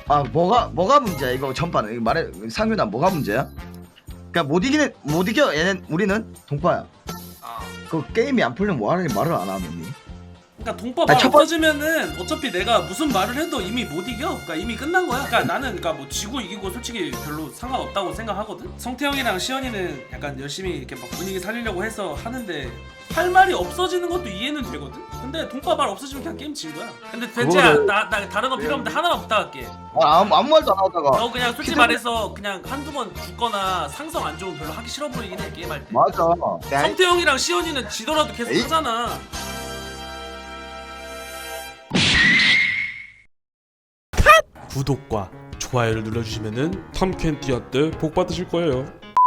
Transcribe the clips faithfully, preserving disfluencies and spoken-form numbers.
아 뭐가 뭐가 문제야 이거 전반은 이거 말해 상윤아 뭐가 문제야? 그러니까 못 이기는 못 이겨 얘는 우리는 동파야. 어. 그 게임이 안 풀리면 뭐 하는지 말을 안 하더니. 그러니까 동법 아니, 말 첫 번- 없어지면은 어차피 내가 무슨 말을 해도 이미 못 이겨. 그러니까 이미 끝난 거야. 그러니까 나는 그러니까 뭐 지고 이기고 솔직히 별로 상관없다고 생각하거든. 성태형이랑 시연이는 약간 열심히 이렇게 막 분위기 살리려고 해서 하는데 할 말이 없어지는 것도 이해는 되거든. 근데 동법 말 없어지면 그냥 게임 진 거야. 근데 벤츠야 그거를- 나, 나 다른 거 필요 없는데 하나만 부탁할게. 아, 아무, 아무 말도 안 하다가. 너 그냥 솔직히 피드- 말해서 그냥 한두 번 죽거나 상성 안 좋으면 별로 하기 싫어 보이긴 해 게임할 때. 맞아. 성태형이랑 시연이는 지더라도 계속 에이? 하잖아. 구독과 좋아요를 눌러주시면은 탐켄티아 때 복 받으실 거예요.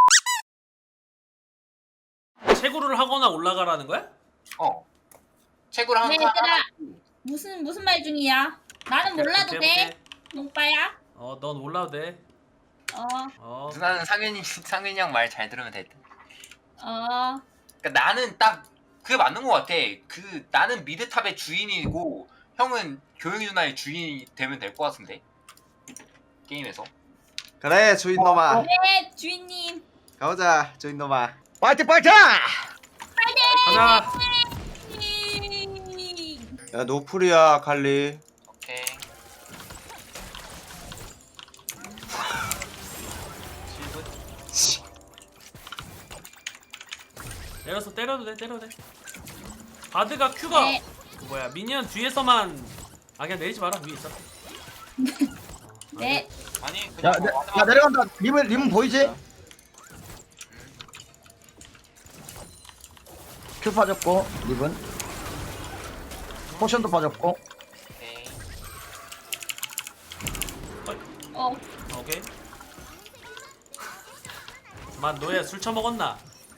채굴을 하거나 올라가라는 거야? 어. 채굴 한 네, 칸. 얘들아. 무슨 무슨 말 중이야? 나는 몰라도 오케이, 돼. 오케이. 농빠야. 어, 넌 몰라도 돼. 어, 어. 누나는 상윤이 상윤이 형 말 잘 들으면 될 듯. 어. 그러니까 나는 딱 그게 맞는 것 같아. 그 나는 미드탑의 주인이고 형은 교영이 누나의 주인이 되면 될 것 같은데 게임에서. 그래 주인놈아 네, 주인님. 가보자 주인놈아. 파이팅 파이팅! 가자. 야 노플이야 칼리. 오케이. 내려서 때려도 돼, 때려도 돼. 바드가 Q가 네. 그 뭐야 미니언 뒤에서만 아 그냥 내리지 마라 위에 있어. 네. 아니 야, 그냥 내, 뭐 야 내려간다. 림은 림은 보이지? 큐 빠졌고 림은 포션도 빠졌고. 오케이. 어. 오케이. 만 너야 술 처먹었나?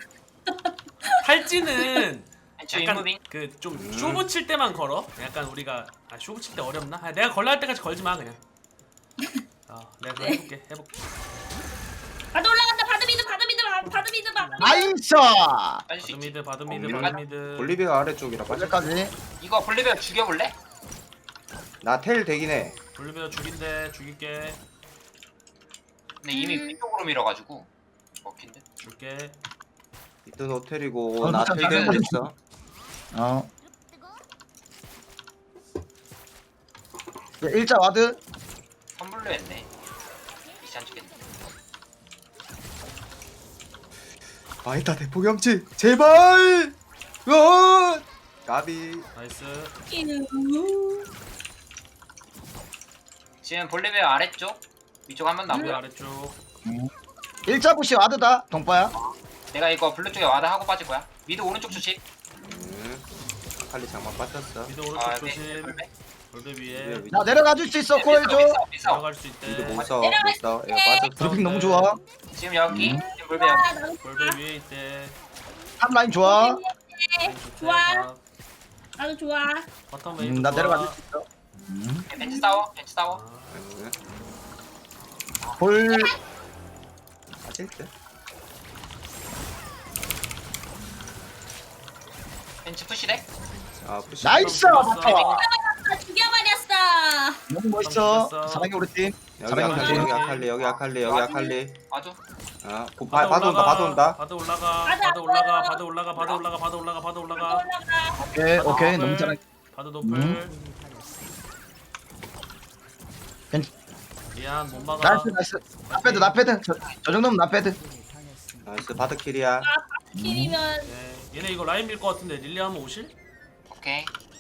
탈지는 주 약간 인무빙. 그 좀 쇼부 칠 때만 걸어. 약간 우리가 아 쇼부 칠 때 어렵나? 아, 내가 걸라 할 때까지 걸지 마 그냥. 어, 내가 그거 네. 해볼게, 해볼게. 바드 올라간다. 바드 미드, 바드 미드, 바- 바드 미드, 바드 미드. 나이스! 빠질 수 있지. 바드미드, 바드미드, 어, 바드미드. 볼리비가 아래쪽이라 빠져. 어제까지. 이거 볼리베어 죽여볼래? 나텔 되긴 해. 볼리비아 죽인대, 죽일게, 근데 이미 음. 위쪽으로 밀어가지고 먹힌 듯. 줄게. 이든 호텔이고 어, 나 진짜 텔 잘해. 됐어. 어. 야, 일자 와드. 선불로 했네. 미션 주겠네. 마이타 대포경치 제발. 어. 가비. 나이스. 이누. 지금 볼리베어 아래쪽 위쪽 한 번 우리 남고요. 아래쪽. 일자 부시 와드다. 동파야. 내가 이거 블루 쪽에 와드 하고 빠질 거야. 미드 오른쪽 조심. 음. 칼리 장막 빠졌어. 미드 오른쪽 아, 조심. 네. 볼베. 볼베 위에 나 내려가 줄 수 있어. 콜 줘. 들어갈 수 미드 있대. 못 써. 내려갈 못 써. 야 빠졌어. 브리핑 너무 좋아. 지금 여기 음. 지금 볼베 여기. 아, 나도 볼베 위에 있대. 탑 라인 좋아. 네, 좋아. 나도 좋아. 바텀 음, 웨이브 나 좋아. 내려가 줄 수 있어. 음. 벤치 싸워. 벤치 싸워. 음. 볼. 빠질 듯. 벤치 푸시래. 아 푸시. 나이스! 좋았어. 맞다. 아, 죽여버렸어. 너무 멋있어. 죽였어. 사랑해 우리 팀. 여기 사랑해 아칼리 우리 여기 팀. 아칼리 여기 아칼리 여기 아칼리. 아주. 아 고- 바- 바드 온다 바드 온다. 바드 올라가. 바드 바드 안 올라가. 보여. 바드 올라가. 바드 올라가. 바드 올라가. 바드 올라가. 올라가. 오케이 바드 오케이 노플. 너무 잘해. 바드 노플. 음. 괜찮. 미안 못 막아. 나이스 나이스. 나패드 나패드. 저, 저 정도면 나패드. 나이스 바드 킬이야. 킬이면 네. 얘네 이거 라인 밀 것 같은데 릴리 한번 오실? 오케이.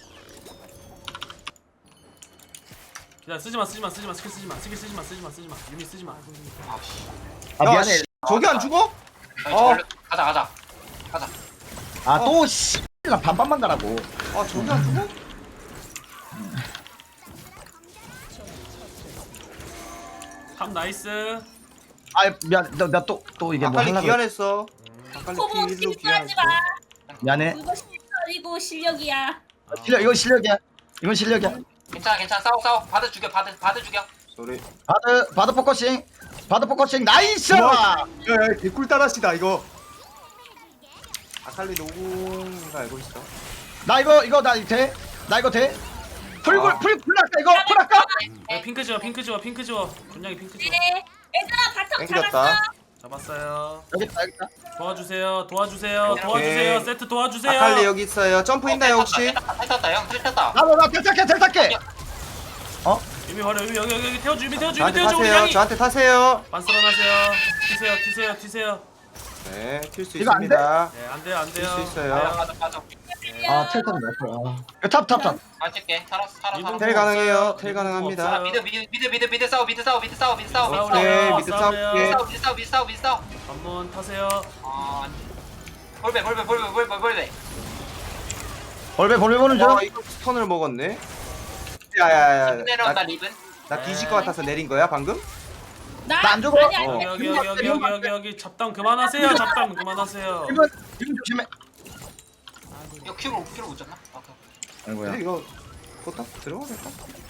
기다려 쓰지마 쓰지마 쓰지마 스킬 쓰지마 스킬 쓰지마 쓰지마 쓰지마 유미 쓰지마. 아씨. 아 야, 미안해. 씨, 저기 안 죽어? 어. 가자 가자. 가자. 아또 씨. 나 반반만 가라고. 아 저기 안 죽어? 탑 나이스. 아 미안. 나또 또 이게 뭐 아칼리 하려고. 귀환했어. 아칼리 코보 킬로 실수 하지 귀환했어. 마. 미안해. 그거 실력이고 실력이야. 실력 이건 실력이야. 이건 실력이야. 괜찮아 괜찮아 싸워 싸워. 바드 죽여 바드 바드 죽여. 소리. 바드 바드 포커싱. 바드 포커싱 나이스. 우와. 야야 개꿀 따라시다 이거. 아칼리 노공가 알고 있어. 나 이거 이거 나 돼? 나 이거 돼? 풀 아. 풀 풀 할까 이거 풀 할까? 네, 핑크 지워 핑크 지워 핑크 지워 분량이 핑크 지워. 네. 얘들아 바텀 땡겼다. 잡았어. 잡았어요. 여기 있다 여기 있다. 도와주세요 도와주세요 오케이. 도와주세요 세트 도와주세요. 아칼리 여기 있어요. 점프 있나요 혹시? 탈탔다 형 탈탔다. 나도 나 탈탈게 탈탈게. 유미 버려 유미 여기 여기 여기 태워주 유미 태워주 유미 저한테 태워주 우리 타세요. 양이. 저한테 타세요. 반스런하세요. 튀세요 튀세요 튀세요. 네, 튈 수 이거 안 돼? 있습니다. 네 안돼요 안돼요. 뛸수 있어요. 빠져 빠져 빠져. 아 텔탑 날 탑탑 탑. 맞을게. 살았어 살았어 이분 살았어. 텔 가능해요. 없어요. 텔 이분 가능합니다. 없어요. 미드 미드 미드 미드 미드 싸워 미드 싸워 미드 싸워 미드 싸워 미드 싸워 미드 오케이, 싸워 미드 싸우래요. 싸울게. 미드 싸워 미드 싸워 미드 싸워. 한번 타세요. 아 볼배 볼배 볼배 볼배 볼배. 벌배 벌배 보는 중. 어, 이거 스턴을 먹었네. 야야야. 내려온다 나, 리븐. 나 뒤질 것 같아서 내린 거야 방금? 나 나안 죽어? 아니 아니. 어. 여기 여기 여기 여기 여기 여기 잡담 그만하세요. 잡담 그만하세요. 이번 이번 조심해. 이거 큐로 큐로 못 잡나? 아, 아이고야. 근데 이거 포탑 들어가겠다.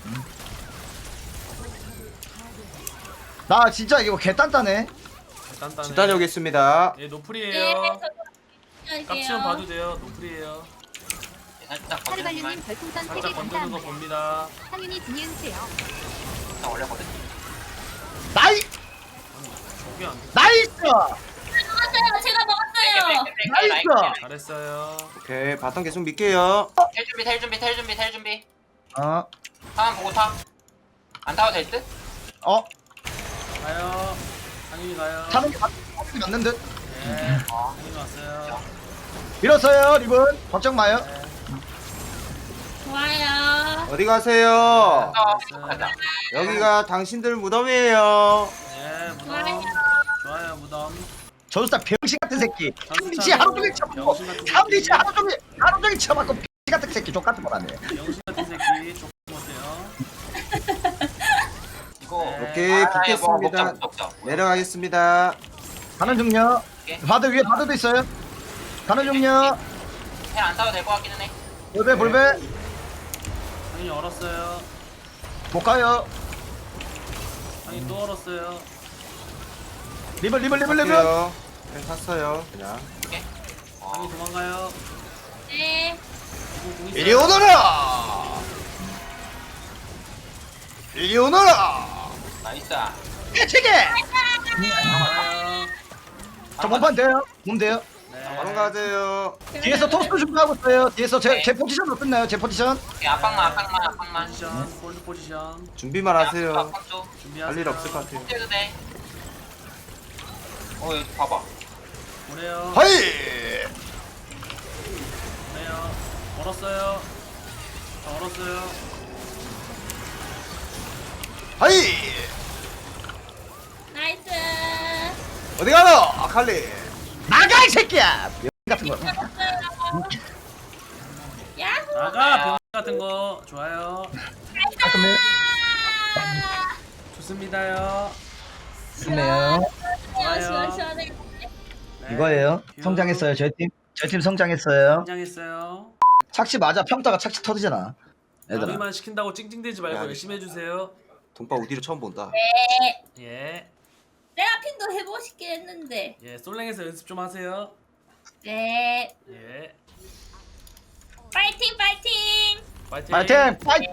나 진짜 이거 개 단단해. 단단해. 집 다녀오겠습니다. 예 네. 노플이에요. 저도 깍지만 봐도 돼요. 노플이에요. 살짝 건드리면 하루발루님 별풍선 세 개 살짝 건드는 거 감사합니다. 봅니다. 상윤이 지니은세요. 일단 올려거든. 나이 저게 안 돼. 나이스. 먹었어요. 제가 먹었어요. 나이스. 잘했어요. 오케이 바텀 계속 밀게요. 텔 준비 텔 준비 텔 준비 텔 준비. 어 상황 보고 타. 안 타도 될 듯? 어. 가요. 상윤이 가요. 타는 게 맞- 맞는 듯. 네. 상윤이 왔어요. 밀었어요 리본. 걱정 마요. 네. 좋아요. 어디 가세요? 어, 가자. 여기가 당신들 무덤이에요. 네 무덤. 좋아요. 좋아요 무덤. 저스타 병신 같은 새끼. 전수찬 삼리치 하루 종일 쳐먹고. 병신 같은 삼리치 새끼. 하루 종일 하루 종일 쳐먹고 병신 같은 새끼 족 같은 거라네. 영신 같은 새끼 조금 못해요. 이거 네. 오케이 아, 이거 붙겠습니다. 먹자, 먹자. 내려가겠습니다. 가는 중요. 오케이. 바드 위에 바드도 있어요. 가는 중요. 텔안 타도 될 것 같기는 해. 볼배 볼배. 상윤이 얼었어요. 못 가요. 상윤이 또 얼었어요. 리본 리본 리본 리본. 갈게요. 네, 탔어요. 그냥. 상윤이 도망가요. 네. 이거 공 이리 있어요. 오너라. 이리 오너라. 나이스. 해치게. 가요. 저 몸판 돼요. 몸 돼요. 네. 바로 가세요. 뒤에서 토스트 준비하고 있어요. 뒤에서 제, 네. 제 포지션으로 끝나요. 제 포지션. 오케이, 압박만 압박만 압박만. 포지션, 폴드 포지션 준비만 하세요. 압박 줘. 준비하세요. 할 일 없을 것 같아요. 해도 돼. 어 여기 봐봐. 보내요. 하이. 보내요. 얼었어요. 저 얼었어요. 하이. 나이스. 어디 가노? 아칼리. 나가 이 새끼야. 병 같은 거. 야호. 나가 병 같은 거 좋아요. 좋습니다요. 좋네요. 시원 시원 시원해. 네. 이거예요. 뷰. 성장했어요. 저희 팀. 저희 팀 성장했어요. 성장했어요. 착시 맞아. 평타가 착시 터지잖아. 얘들아. 남이만 시킨다고 찡찡대지 말고 야, 열심히 해주세요. 돈바 우디로 처음 본다. 네. 예. 세라핀도 해보고 싶긴 했는데. 예, 솔랭에서 연습 좀 하세요. 네. 예. 파이팅 파이팅. 파이팅. 파이팅! 파이팅!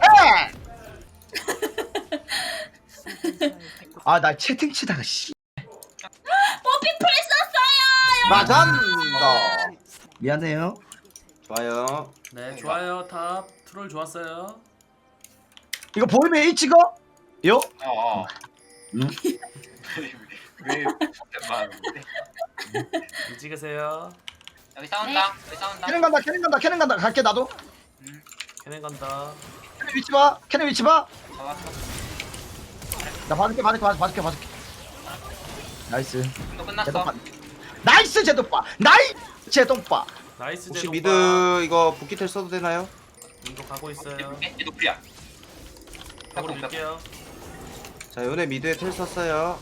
아, 나 채팅 치다가 씨. 뽀삐 풀 썼어요. 맞았다. 미안해요. 좋아요. 네, 좋아요. 탑 트롤 좋았어요. 이거 보이면 A 찍어? 요? 어. 어. 응? 왜 말하는데? 일 찍으세요. 여기 싸운다. 여기 싸운다. 캐는 간다. 캐는 간다. 캐는 간다. 갈게 나도. 걔네 간다. 캐는 위치 봐. 캐는 위치 봐. 잡았어. 나 봐줄게. 봐줄게. 봐줄게. 봐줄게. 봐줄게. 나이스. 또 끝났어. 제동빠. 나이스 제동빠. 나이스 제동빠. 나이스 혹시 제동바. 미드 이거 붓기텔 써도 되나요? 이거 가고 있어요. 얘 노플이야. 가고 밀게요. 자, 요네 미드에 텔 썼어요.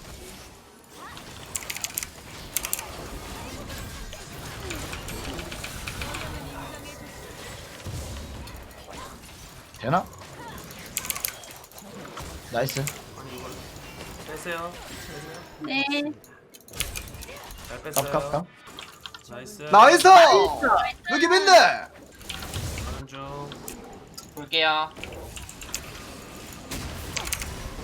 되나? 나이스. 아니 이걸 빼세요. 빼세요. 네. 잘 뺐어요. 깝깝깝. 나이스. 나이스! 여기 맨날! 가는 중. 볼게요.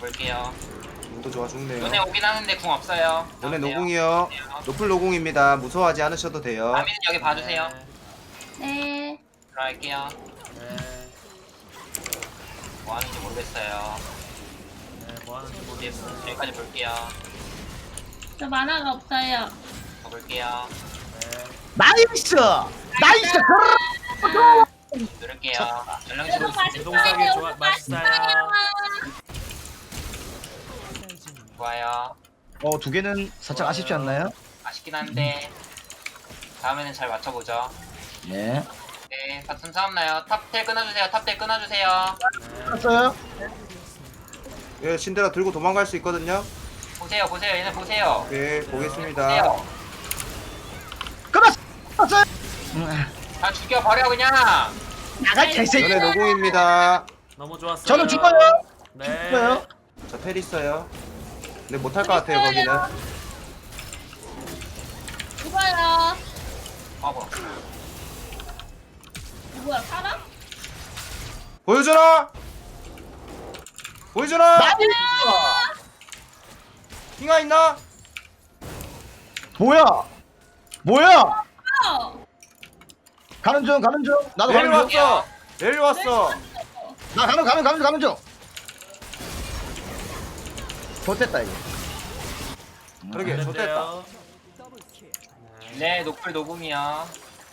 볼게요. 또 좋아 죽네요. 눈에 오긴 하는데 궁 없어요. 요네 나오세요. 노궁이요. 노플 노궁입니다. 무서워하지 않으셔도 돼요. 아미는 여기 봐주세요. 네. 들어갈게요. 네. 뭐 하는지 모르겠어요. 네, 뭐 하는지 모르겠어. 여기까지 볼게요. 저 만화가 없어요. 더 볼게요. 네. 나이스 나이스 누를게요. 전령 이거 치고 있습니다. 운동사기 좋아, 이거 맛있어요. 좋아요. 어 두 개는 살짝 아쉽지 않나요? 아쉽긴 한데 다음에는 잘 맞춰보죠. 네 네, 바텀 싸움 나요. 탑텔 끊어주세요. 탑텔 끊어주세요. 알았어요 예, 신데라 들고 도망갈 수 있거든요. 보세요, 보세요. 얘네 보세요. 오케이, 보겠습니다. 보세요. 끊었어 끊었어요 음, 다 죽여버려 그냥. 나가 개새끼 요네 노궁입니다. 너무 좋았어요. 저는 죽어요 네. 죽어요 저 텔 있어요. 근데 못할 것 같아요, 거기는. 죽어요. 아 뭐야. 뭐야 살아? 보여주나? 보여주나? 킹아 있나? 뭐야 뭐야 어. 가는 중 가는 중 나도 내일 가는 중 왔어. 내일 왔어. 나 가는 가는 가는 가는 중 좋됐다 이거 그러게, 좋됐다. 됐대요. 네, 노플 노궁이야.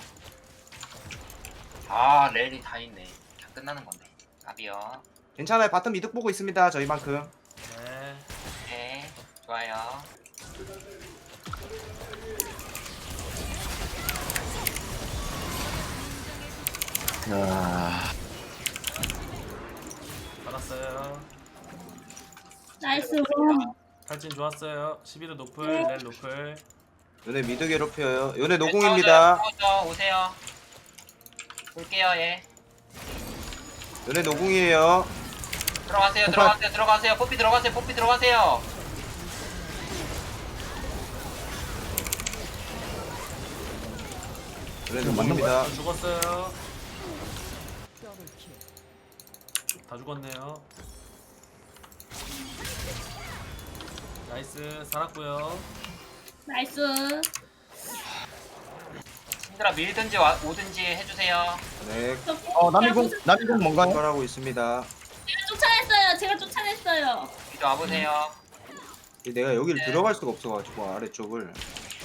아, 렐이 다 있네. 다 끝나는 건데. 답이요. 괜찮아요. 바텀 이득 보고 있습니다. 저희만큼. 네. 네, 좋아요. 야 받았어요. 나이스. 탈진 좋았어요. 십일호 노플, 네. 렐 노플. 요네 미드 괴롭혀요. 요네 노궁입니다. 싸우죠, 오세요. 볼게요, 예. 요네 노궁이에요. 들어가세요, 오빠. 들어가세요, 들어가세요. 뽀삐 들어가세요, 뽀삐 들어가세요. 요네 노궁입니다. 저 죽었어요. 다 죽었네요. 나이스, 살았고요. 나이스. 신드라 밀든지 와, 오든지 해주세요. 네, 저 어 남이공 남이공 뭔가요? 출발하고 있습니다. 제가 쫓아냈어요. 제가 쫓아냈어요. 이리 와보세요. 내가 여기를 네. 들어갈 수가 없어가지고 아래쪽을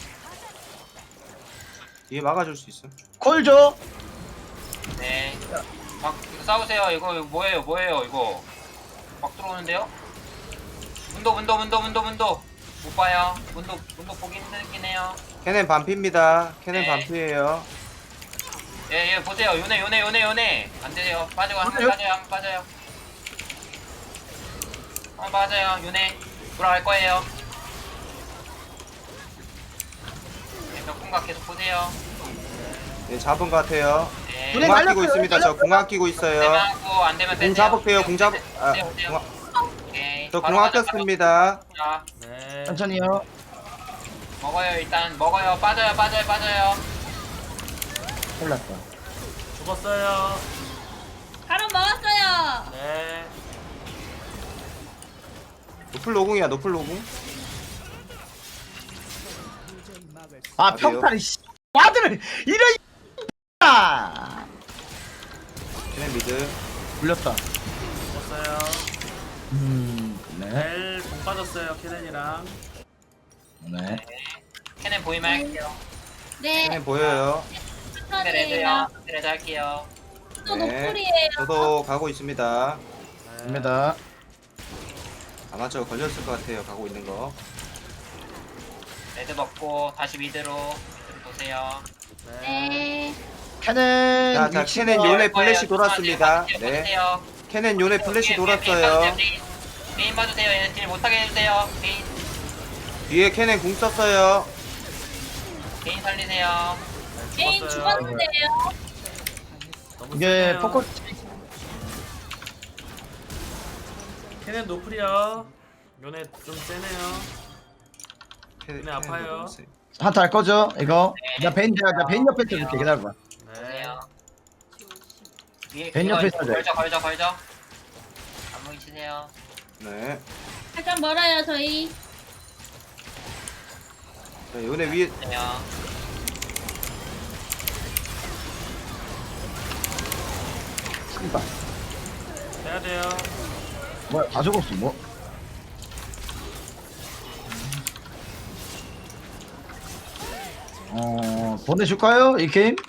뒤에 막아줄 수 있어. 콜죠 네. 막 이거 싸우세요. 이거 이거 뭐예요, 뭐예요, 이거. 막 들어오는데요? 문도, 문도, 문도, 문도, 문도. 못 봐요. 문도, 문도 보기 힘들긴 해요. 캐넨 반피입니다. 캐넨 네. 반피예요. 예, 예, 보세요. 요네, 요네, 요네, 요네. 안 돼요. 빠지고 한 번 요네? 빠져요, 한 번 빠져요. 한 번 빠져요, 요네. 돌아갈 거예요. 네, 벽궁각 계속 보세요. 네, 잡은 것 같아요. 네. 요네 궁 아끼고 날렸어요, 있습니다. 저 날렸어요. 궁 아끼고 안 있어요. 되면 하고, 안 되면 궁 떼세요. 잡을게요. 궁 잡. 아, 오세요, 오세요. 궁, 오케이. 저 바로 궁 가자, 아꼈습니다. 바로 가자. 네. 천천히요 먹어요, 일단. 먹어요. 빠져요, 빠져요, 빠져요. 흘렀다 죽었어요. 바로 먹었어요. 네. 노플 노궁이야. 노플 노궁. 아 어디요? 평타를 씨 와드를 이런 아 캐넨 미드. 불렸다 죽었어요. 음네 렐 공 빠졌어요. 케넨이랑. 네. 캐넨 보이면 할게요. 네. 캐넨 보여요. 근데 레드요. 천천히요. 근데 레드 할게요. 또 네. 노플이에요. 저도 가고 있습니다. 네. 입니다 아마 저 걸렸을 것 같아요. 가고 있는 거. 레드 먹고 다시 미드로 미드로 보세요. 네. 네. 캐넨 자, 자, 위치가- 캐넨 요네 플래시 보세요. 돌았습니다. 보세요. 네. 보세요. 캐넨 요네 플래시 개인, 개인 돌았어요. 봐주세요, 개인. 개인 봐주세요. 얘네 딜 못하게 해주세요. 개인 뒤에 캐넨 궁 썼어요. 개인 살리세요. 게임 죽었어요. 죽었는데요. 너무 이게 세네요. 포커 케넨 노플이요. 요네 좀 세네요. 캐넨, 네, 아파요. 캐넨도 너무 세. 한타 할 거죠 이거 네. 나 베인 내가 나 베인 옆에 있을게 기다려봐 네. 보세요. 위에 벤 그거 옆에 있어야 돼. 걸죠, 걸죠, 걸죠. 안무기 치세요. 네. 잠깐 멀어요 저희. 자, 요네 위에 안녕. 씨발. 해야 돼요. 뭐야 다 죽었어 뭐. 어 보내줄까요 이 게임?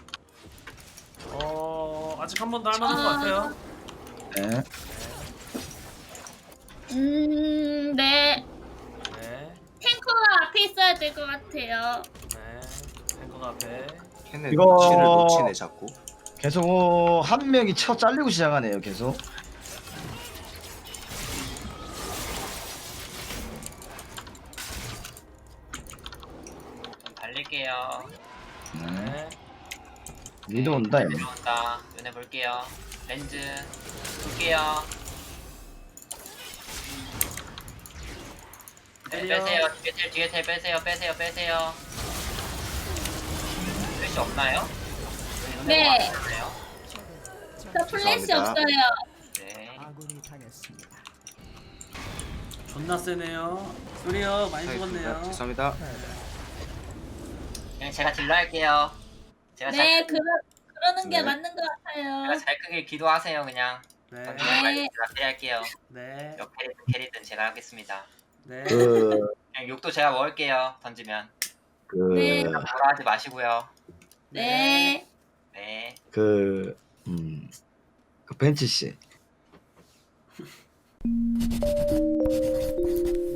어 아직 한 번 더 할만한 것 같아요. 네. 음, 네. 네, 탱커가 앞에 있어야 될 것 같아요. 네. 탱커가 앞에. 캔에 이거- 놓치를 놓치네 자꾸. 계속 한 명이 쳐 잘리고 시작하네요 계속. 좀 달릴게요. 네. 네. 리드 온다 얘. 들어온다. 눈에 볼게요. 렌즈 볼게요. 네, 때려. 빼세요. 뒤에 텔 뒤에 텔 빼세요. 빼세요. 빼세요. 플래시 없나요? 눈에 네. 보고 안 되나요? 저 플래시 죄송합니다. 없어요. 네. 존나 세네요. 소리요 많이 자, 죽었네요. 죄송합니다. 그냥 제가 딜러 할게요. 제가 잘 네, 크- 그러, 그러는 게 네. 맞는 것 같아요. 제가 잘 크게 기도하세요. 그냥. 네, 던지면 빨리 제가 캐리할게요. 네, 역 캐리든 캐리든 제가 하겠습니다. 네. 그 그냥 욕도 제가 먹을게요. 던지면. 그, 네. 뭐라 하지 마시고요. 네. 네. 그, 음, 그 벤치 씨.